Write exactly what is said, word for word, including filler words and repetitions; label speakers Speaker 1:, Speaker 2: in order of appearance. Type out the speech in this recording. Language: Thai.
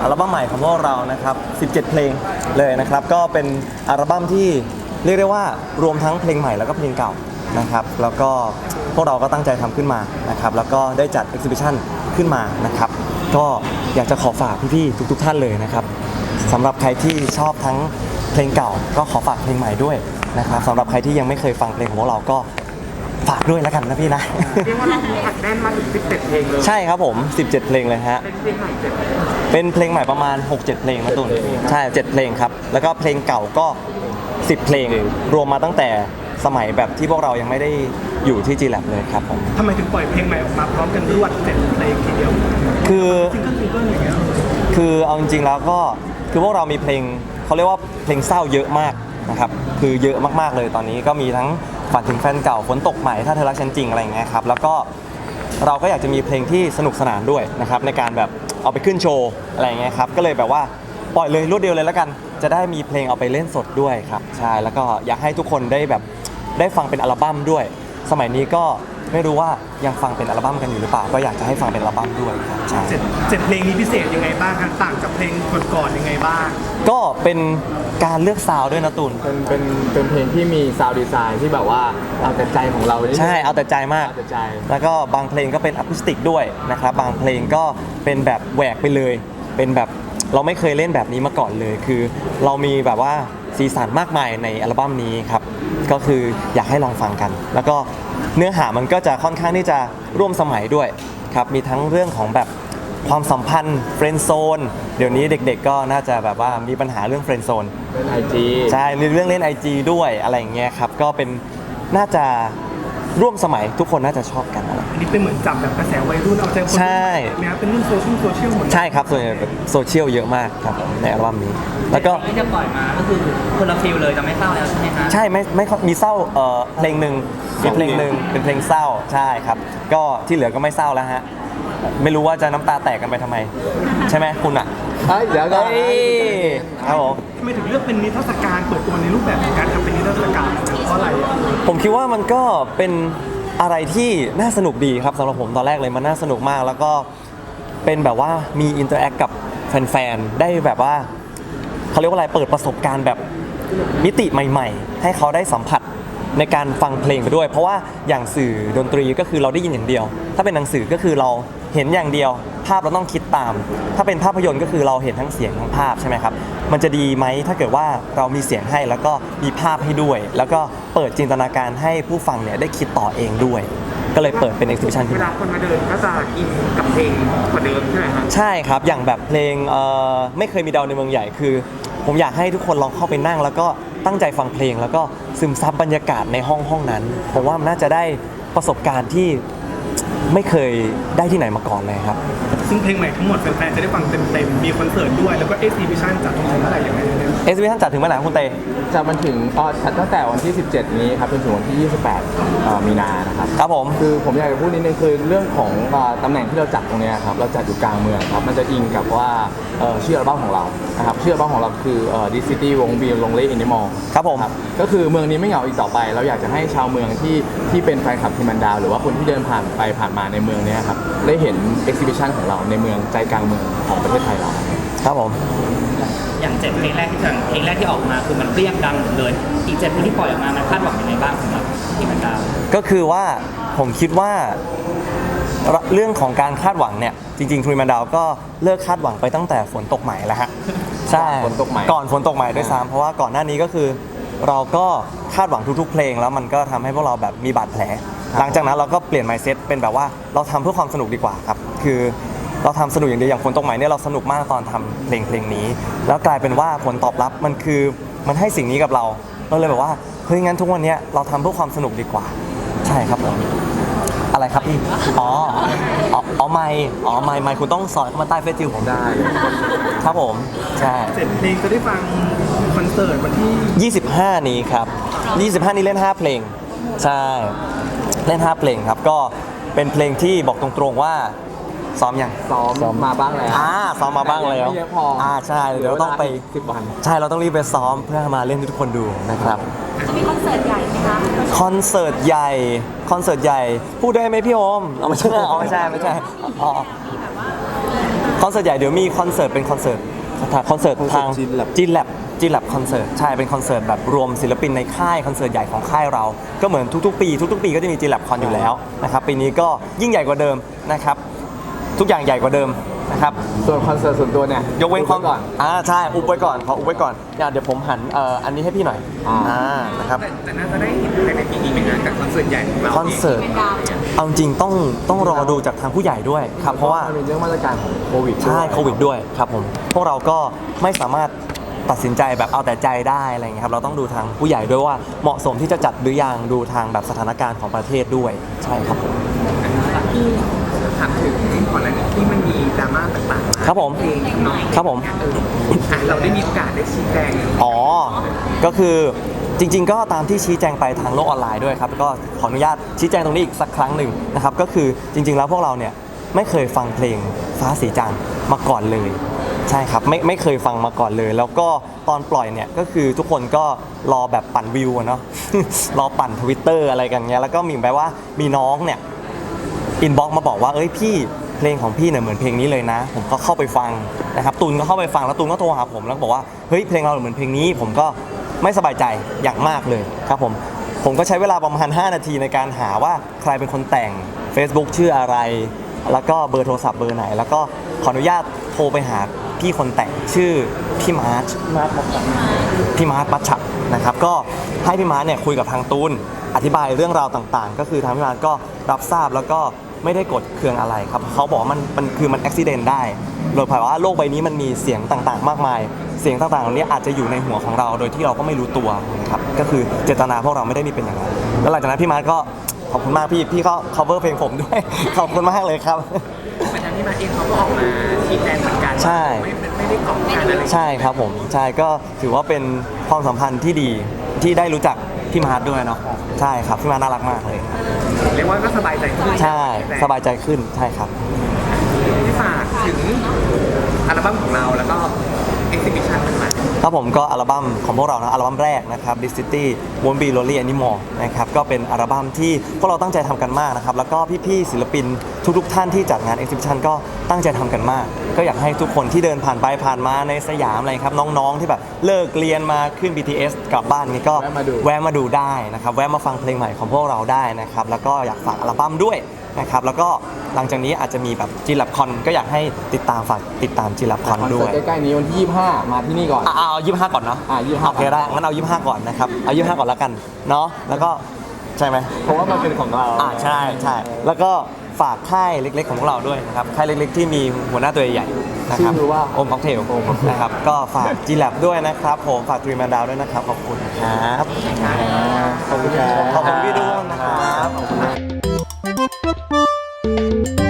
Speaker 1: อัลบั้มใหม่ของพวกเรานะครับสิบเจ็ดเพลงเลยนะครับก็เป็นอัลบั้มที่เรียกได้ว่ารวมทั้งเพลงใหม่แล้วก็เพลงเก่านะครับแล้วก็พวกเราก็ตั้งใจทำขึ้นมานะครับแล้วก็ได้จัด Exhibition ขึ้นมานะครับก็อยากจะขอฝากพี่ๆทุกๆท่านเลยนะครับสำหรับใครที่ชอบทั้งเพลงเก่าก็ขอฝากเพลงใหม่ด้วยนะครับสำหรับใครที่ยังไม่เคยฟังเพลงของพวกเราก็ฝากด้วยแล้วกันนะพี่นะ
Speaker 2: เรียกว่าเราอัดแน่นมาถึงสิบเจ็ดเพลงเลย
Speaker 1: ใช่ครับผมสิบเจ็ดเพลงเลยฮะ
Speaker 2: เป็นเพลงใหม่เจ็ด
Speaker 1: เป็นเพลงใหม่ประมาณ หกเจ็ด เพลงนะตุนใช่เจ็ดเพลงครับแล้วก็เพลงเก่าก็สิบเพลงรวมมาตั้งแต่สมัยแบบที่พวกเรายังไม่ได้อยู่ที่ จี แลบ เลยครับผม
Speaker 2: ทำไมถึงปล่อยเพลงใหม่ออกมาพร้อมกันรวดเจ็ดเพลงทีเดียว
Speaker 1: คือ
Speaker 2: ซิงเกิลซิงเกิลอย่างเงี้ย
Speaker 1: คือเอาจริงๆแล้วก็คือพวกเรามีเพลงเขาเรียกว่าเพลงเศร้าเยอะมากนะครับคือเยอะมากๆเลยตอนนี้ก็มีทั้งฝันถึงแฟนเก่าฝนตกใหม่ถ้าเธอรักฉันจริงอะไรอย่างเงี้ยครับแล้วก็เราก็อยากจะมีเพลงที่สนุกสนานด้วยนะครับในการแบบเอาไปขึ้นโชว์อะไรอย่างเงี้ยครับก็เลยแบบว่าปล่อยเลยรวดเดียวเลยแล้วกันจะได้มีเพลงเอาไปเล่นสดด้วยครับใช่แล้วก็อยากให้ทุกคนได้แบบได้ฟังเป็นอัลบั้มด้วยสมัยนี้ก็ไม่รู้ว่ายังฟังเป็นอัลบั้มกันอยู่หรือเปล่าก็อยากจะให้ฟังเป็นอัลบั้มด้วยครับใช่
Speaker 2: เจ็ดเจ็ดเพลงนี้พิเศษยังไงบ้างครับต่างจากเพลงก่อนๆยังไงบ้าง
Speaker 1: ก็เป็นการเลือกซาวด์ด้วยนะตุน
Speaker 3: เป็นเป็นเป็นเพลงที่มีซาวด์ดีไซน์ที่แบบว่าเอาแต่ใจของเรา
Speaker 1: ใช่เอาแต่ใจมาก
Speaker 3: เอาแต่ใจ
Speaker 1: แล้วก็บางเพลงก็เป็นอะคูสติกด้วยนะครับบางเพลงก็เป็นแบบแหวกไปเลยเป็นแบบเราไม่เคยเล่นแบบนี้มาก่อนเลยคือเรามีแบบว่าสีสันมากมายในอัลบั้มนี้ครับก็คืออยากให้ลองฟังกันแล้วก็เนื้อหามันก็จะค่อนข้างที่จะร่วมสมัยด้วยครับมีทั้งเรื่องของแบบความสัมพันธ์เฟรนด์โซนเดี๋ยวนี้เด็กๆก็น่าจะแบบว่ามีปัญหาเรื่องเฟรนด์โซน
Speaker 3: เล่น ไอ จี
Speaker 1: ใช่มีเรื่องเล่น ไอ จี ด้วยอะไรอย่างเงี้ยครับก็เป็นน่าจะร่วมสมัยทุกคนน่าจะชอบกันอะไร
Speaker 2: อันนี้เป็นเหมือนจับแบบกระแสวัยรุ่นเอาใจคน
Speaker 1: ใช่
Speaker 2: เนี่ยเป็นเรื่องโซเชียลโซเชียลหมด
Speaker 1: ใช่ครับส่วนใหญ่โซเชียลเยอะมากครับในอัลบั้มนี้แล้วก็
Speaker 4: ที่จะปล่อยมาก็คือคนละฟิลเลยจะไม่เศร้าแล้วใช่ไหมคะ
Speaker 1: ใช่ไม่ไม่มีเศร้าเอ่อเพลงหนึ่งมีเพลงหนึ่งเป็นเพลงเศร้าใช่ครับก็ที่เหลือก็ไม่เศร้าแล้วฮะไม่รู้ว่าจะน้ำตาแตกกันไปทำไมใช่ไหมคุณอ่ะ
Speaker 3: เดี๋ยวก็
Speaker 1: ครับผม
Speaker 2: ทำไมถึงเลือกเป็นนิทรรศการเปิดตัวในรูปแบบของการทำเป็นนิทรรศการเพราะอะไร
Speaker 1: ผมคิดว่ามันก็เป็นอะไรที่น่าสนุกดีครับสำหรับผมตอนแรกเลยมันน่าสนุกมากแล้วก็เป็นแบบว่ามีอินเตอร์แอคกับแฟนๆได้แบบว่าเขาเรียกว่าอะไรเปิดประสบการณ์แบบมิติใหม่ๆให้เขาได้สัมผัสในการฟังเพลงไปด้วยเพราะว่าอย่างสื่อดนตรีก็คือเราได้ยินอย่างเดียวถ้าเป็นหนังสือก็คือเราเห็นอย่างเดียวภาพเราต้องคิดตามถ้าเป็นภาพยนตร์ก็คือเราเห็นทั้งเสียงทั้งภาพใช่ไหมครับมันจะดีไหมถ้าเกิดว่าเรามีเสียงให้แล้วก็มีภาพให้ด้วยแล้วก็เปิดจินตนาการให้ผู้ฟังเนี่ยได้คิดต่อเองด้วยก็เลยเปิดเป็น exhibition ขึ้น
Speaker 2: เวลาคนมาเดินก็จะอินกับเพลงกว่าเดิมใช่ไหมครับ
Speaker 1: ใช่ครับอย่างแบบเพลงเอ่อไม่เคยมีดาวในเมืองใหญ่คือผมอยากให้ทุกคนลองเข้าไปนั่งแล้วก็ตั้งใจฟังเพลงแล้วก็ซึมซับบรรยากาศในห้องห้องนั้นผมว่ามันน่าจะได้ประสบการณ์ที่ไม่เคยได้ที่ไหนมาก่อนเลยครับ
Speaker 2: ซึ่งเพลงใหม่ทั้งหมดแฟนๆจะได้ฟังเต็มๆมีคอนเสิร์ตด้วยแล้วก็ exhibition จัดถึงเมื่อไหร่ยังไงเนี่ย
Speaker 1: exhibition จัดถึงเมื่อไหร่คุณเต
Speaker 3: จะมันถึงอ๋อตั้งแต่วันที่สิบเจ็ดนี้ครับจนถึงวันที่ยี่สิบแปดมีนานะครับ
Speaker 1: ครับผม
Speaker 3: คือผมอยากจะพูดนิดนึงคือเรื่องของตำแหน่งที่เราจัดตรงนี้ครับเราจัดอยู่กลางเมืองครับมันจะอิงกับว่าชื่ออัลบั้มของเรานะครับชื่ออัลบั้มของเราคือ This City Won't Be Lonely Anymore
Speaker 1: ครับผม
Speaker 3: ก็คือเมืองนี้ไม่เหงาอีกต่อไปเราอยากจะให้ชาวเมืองที่ที่เป็นแฟนคลับทีมันดาวหรือว่าคนที่เดินผ่านไปผ่านมาในเมืองนี้ครับได้เห็น exhibition ของเราในเมืองใจกลางเมืองของประเทศไทยเรา
Speaker 1: ครับผม
Speaker 4: อย่างเจ็ดเพลงแรกที่เพลงแรกที่ออกมาคือมันเปรี้ยงดังหมดเลยอีกเจ็ดเพลงที่ปล่อยออกมามันคาดหวังยังไงบ้างสำหรับทีมันดาว
Speaker 1: ก็คือว่าผมคิดว่าเรื่องของการคาดหวังเนี่ยจริงๆทรีมันดาวก็เลิกคาดหวังไปตั้งแต่ฝนตกใหม่แล้วฮะใช่
Speaker 3: ฝนตกใหม่
Speaker 1: ก่อนฝนตกใหม่ด้วยซ้ำเพราะว่าก่อนหน้านี้ก็คือเราก็คาดหวังทุกๆเพลงแล้วมันก็ทำให้พวกเราแบบมีบาดแผลหลังจากนั้นเราก็เปลี่ยน mindset เป็นแบบว่าเราทำเพื่อความสนุกดีกว่าครับคือเราทำสนุกอย่างเดียวอย่างฝนตกใหม่เนี่ยเราสนุกมากตอนทำเพลงเพลงนี้แล้วกลายเป็นว่าผลตอบรับมันคือมันให้สิ่งนี้กับเราเราเลยแบบว่าเฮ้ยงั้นทุกวันนี้เราทำเพื่อความสนุกดีกว่าใช่ครับผมอะไรครับพี่อ๋ออ๋อไม่อ๋อไม่ไม่คุณต้องสอนเข้ามาใต้เฟซบุ๊กผมได้ครับผมใช่
Speaker 2: เสร็จเพลงจะได้ฟังคอนเสิร์ตวันที่
Speaker 1: ยี่สิบห้านี้ครับยี่สิบห้านี้เล่นห้าเพลงใช่เล่นห้าเพลงครับก็เป็นเพลงที่บอกตรงๆว่าซ้อมยัง
Speaker 3: ซ้อมซ้อมมาบ้างแล้ว
Speaker 1: อ่าซ้อมมาบ้างแล้ว
Speaker 3: ไม่เยอะพอ
Speaker 1: อ่าใช่เดี๋ยวต้องไป
Speaker 3: สิบวัน
Speaker 1: ใช่เราต้องรีบไปซ้อมเพื่อมาเล่นให้ทุกคนดูนะครับ
Speaker 5: จะมีคอนเสิร์ตใหญ่ไหมคะ
Speaker 1: คอนเสิร์ตใหญ่คอนเสิร์ตใหญ่พูดได้ไหมพี่โอมเอาไม่ใช่เอาไม่ใช่ไม่ใช่อ๋อคอนเสิร์ตใหญ่เดี๋ยวมีคอนเสิร์ตเป็นคอนเสิร์ตคอนเสิร์ตทาง
Speaker 3: Gin Lab
Speaker 1: จีนแลบจีนแลบคอนเสิร์ตใช่เป็นคอนเสิร์ตแบบรวมศิลปินในค่ายคอนเสิร์ตใหญ่ของค่ายเราก็เหมือนทุกๆ ปีทุกๆ ปีก็จะมีจีนแลบคอนอยู่แล้วนะครับปีนี้ก็ยิ่งใหญ่กว่าเดิมนะครับทุกอย่างใหญ่กว่าเดิมนะครับ
Speaker 3: ส่วนคอนเสิร์ตส่วนตัวเนี่ย
Speaker 1: ยกเว้นความ
Speaker 3: ก่อน
Speaker 1: อ่าใช่อุบไว้ก่อนขออุบไว้ก่อนเดี๋ยวผมหันเอ่ออันนี้ให้พี่หน่อย
Speaker 3: อ่า
Speaker 1: อ่านะครับ
Speaker 2: แต่แต่น่าจะได้เห็นภายในปีนี้ไหมนะกับคอนเสิร์ตใหญ่ของเรา
Speaker 1: คอนเสิร์ตเอาจริงต้องต้องรอดูจากทางผู้ใหญ่ด้วยครับเพราะว่า
Speaker 3: มันเป็นเรื่องมาตรการของโควิด
Speaker 1: ใช่
Speaker 3: ด้วย
Speaker 1: โควิดด้วยครับผมพวกเราก็ไม่สามารถตัดสินใจแบบเอาแต่ใจได้อะไรอย่างเงี้ยครับเราต้องดูทางผู้ใหญ่ด้วยว่าเหมาะสมที่จะจัดหรือยังดูทางแบบสถานการณ์ของประเทศด้วยใช่ครับผม
Speaker 2: ถามถึงก่อนหน้านี้ที่มันมีดราม่าต่างๆมา
Speaker 1: ครับผม
Speaker 2: เพลงเนาะ
Speaker 1: ครับผม
Speaker 2: เอออ่ะเราได้มีโอกาสได้ชี้แจง
Speaker 1: อ๋อ ก็คือจริงๆ ก็ตามที่ชี้แจงไปทางโลกออนไลน์ด้วยครับก็ขออนุญาตชี้แจงตรงนี้อีกสักครั้งหนึ่งนะครับก็คือจริงๆ แล้วพวกเราเนี่ยไม่เคยฟังเพลงฟ้าสีจังมาก่อนเลยใช่ครับไม่ไม่เคยฟังมาก่อนเลย แล้วก็ตอนปล่อยเนี่ยก็คือทุกคนก็รอแบบปั่นวิวอะเนาะ รอปั่นทวิตเตอร์อะไรกันเงี้ยแล้วก็มีแบบว่ามีน้องเนี่ยอินบ็อกมาบอกว่าเอ้ยพี่เพลงของพี่เนี่ยเหมือนเพลงนี้เลยนะ ผมก็เข้าไปฟังนะครับตูนก็เข้าไปฟังแล้วตูนก็โทรหาผมแล้วบอกว่าเฮ้ยเพลงเราเหมือนเพลงนี้ ผมก็ไม่สบายใจอย่างมากเลยครับผมผมก็ใช้เวลาประมาณห้านาทีในการหาว่าใครเป็นคนแต่ง Facebook ชื่ออะไร แล้วก็เบอร์โทรศัพท์เบอร์ไหน แล้วก็ขออนุญาตโทรไปหาพี่คนแต่งชื่อพี่มาร์ชพี่มาร์ชปัชชักนะครับก็ให้พี่มาร์ชเนี่ยคุยกับทางตูนอธิบายเรื่องราวต่างๆ ก็คือทางพี่มาร์ชก็รับทราบแล้วก็ไม่ได้กดเคืองอะไรครับเขาบอกว่ามันมันคือมันอุบิเหตุได้โดยเผยว่าโลกใบนี้มันมีเสียงต่างๆ มากมาย เสียงต่างๆเหล่านี้อาจจะอยู่ในหัวของเราโดยที่เราก็ไม่รู้ตัวนะครับก็คือเจตนาพวกเราไม่ได้มีเป็นอย่างนั้นแล้วหลังจากนั้นพี่มาร์ชก็ขอบคุณมากพี่พี่ก็ cover เพลงผมด้วย ขอบคุณมากเลยครับ
Speaker 2: เหมือนทางที่มาเองเขาก็ออกมาชี้แจงเหมือนกัน
Speaker 1: ใช่
Speaker 2: ไม่ไม่ได้กล่อมการอะไร
Speaker 1: ใช่ครับผมใช่ก็ถือว่าเป็นความสัมพันธ์ที่ดีที่ได้รู้จักพี่มาร์ทด้วยเนาะใช่ครับพี่มาร์ทน่ารักมากเลย
Speaker 2: เรียกว่าก็สบายใจขึ้น
Speaker 1: ใช่สบายใจขึ้นใช่ครับ
Speaker 2: ที่ฝากถึงอัลบั้มของเราแล้วก็เอ็กซิบิชันต่างๆ
Speaker 1: ครับผมก็อัลบั้มของพวกเรานะอัลบั้มแรกนะครับ This City Won't Be Lonely Anymore นะครับก็เป็นอัลบั้มที่พวกเราตั้งใจทำกันมากนะครับแล้วก็พี่ๆศิลปินทุกๆท่านที่จัดงาน Exhibition ก็ตั้งใจทำกันมาก ก็อยากให้ทุกคนที่เดินผ่านไปผ่านมาในสยามอะไรครับน้องๆที่แบบเลิกเรียนมาขึ้น บี ที เอส กลับบ้านนี่ก็
Speaker 3: แวะมาดู
Speaker 1: แวะมาดูได้นะครับแวะมาฟังเพลงใหม่ของพวกเราได้นะครับแล้วก็อยากฝากอัลบั้มด้วยนะครับแล้วก็หลังจากนี้อาจจะมีแบบจีลับคอนก็อยากให้ติดตามฝากติดตามจีลับคอน
Speaker 3: คอน
Speaker 1: ด้
Speaker 3: เสิ
Speaker 1: ว
Speaker 3: ร์
Speaker 1: ย
Speaker 3: ตใกล้ๆนี้วันที่ยี่สิบห้ามาที่นี่ก่อน
Speaker 1: อ่ะเอายี่สิบห้าก่อนเนาะ
Speaker 3: อ่ะยี่สิบห้า
Speaker 1: โอเคได้งั้นเอายี่สิบห้าก่อนนะครับเอายี่สิบห้าก่อนแล้วกันเนาะแล้วก็ใช่ไหม
Speaker 3: เพราะว่ามันเป็นของเรา
Speaker 1: อ่าใช่ใช่แล้วก็ฝากค่ายเล็กๆของพวกเราด้วยนะครับค่ายเล็กๆที่มีหัวหน้าตัวใหญ่ๆนะครับ
Speaker 3: ชื่อว่า
Speaker 1: โอมค็อกเทลนะครับก็ฝากจีแลบด้วยนะครับผมฝากทรีแมนดาวด้วยนะครับขอบคุณครับ
Speaker 3: ขอบคุณครับ
Speaker 1: ขอบคุณพี่ด้วยนะครับขอบคุณมาก